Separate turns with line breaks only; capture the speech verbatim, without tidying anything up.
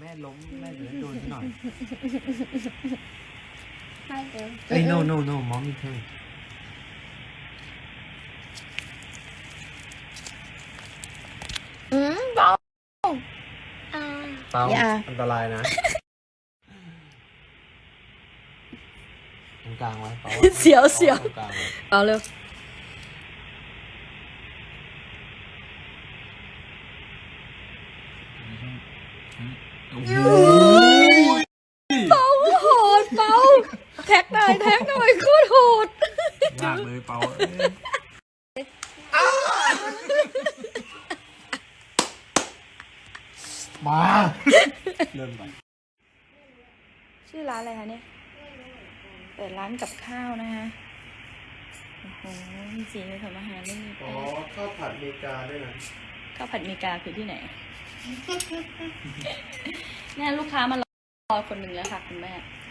แม่ล้มแม่จะได้โดนหน่อย
ให้เดี๋ยว
เอ้ย no no no mommy turn
อืมเบาอ่า
เปล่า
อย่า
อันตรายนะตรงกลางไว้เปล่า
เสียวเสียว
ตรงกลางไว้
เอาเร็ว
โอ้โห
เบาโหดเบาแท็กหน่อยแท็กหน่อยโคตรโหด
ยากเลยเปล่าเอ้ยมาเริ่มไป
ชื่อร้านอะไรคะเนี่ยเปิดร้านกับข้าวนะคะโอ้โหมีสีมีทำอาหารไม่มี
อ๋
แป้
อง ข้าวผัดเมกาด้วยนะ
ข้าวผัดเมกาคือที่ไหน แม่ลูกค้ามารอคนหนึ่งแล้วค่ะคุณแม่